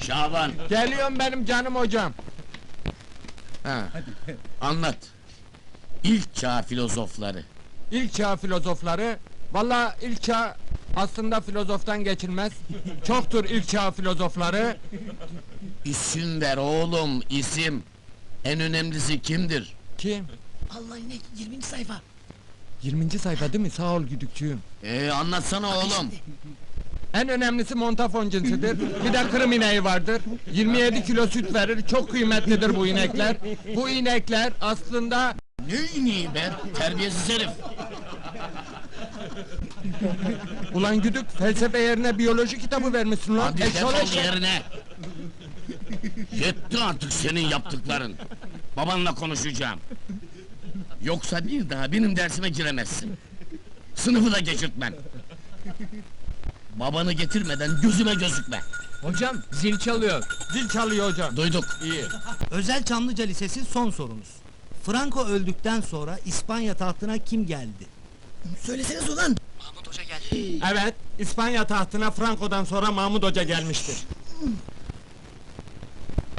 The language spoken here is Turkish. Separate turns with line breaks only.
Şaban,
Geliyorum benim canım hocam. Ha,
anlat. İlk çağ filozofları.
ilk çağ filozofları. Vallahi ilk çağ aslında filozoftan geçilmez. Çoktur ilk çağ filozofları.
İsim ver oğlum, isim. En önemlisi kimdir?
Kim?
Allah inek 20. sayfa.
20. sayfa değil mi? Sağ ol güdükçüğüm.
Anlatsana oğlum.
En önemlisi montafon cinsidir. Bir de Kırım ineği vardır. 27 kilo süt verir. Çok kıymetlidir bu inekler. Bu inekler aslında...
Ne ineği be, terbiyesiz herif!
Ulan güdük, felsefe yerine biyoloji kitabı vermişsin lan.
Hadi
Eşşoğlu
defol
eşek.
yerine! Yetti artık senin yaptıkların! Babanla konuşacağım! Yoksa bir daha benim dersime giremezsin! Sınıfı da geçirtmem! Babanı getirmeden gözüme gözükme!
Hocam zil çalıyor.
Zil çalıyor hocam.
Duyduk!
İyi.
Özel Çamlıca Lisesi son sorunuz. Franco öldükten sonra İspanya tahtına kim geldi? Söyleseniz ulan!
Evet, İspanya tahtına Franco'dan sonra Mahmud Hoca gelmiştir.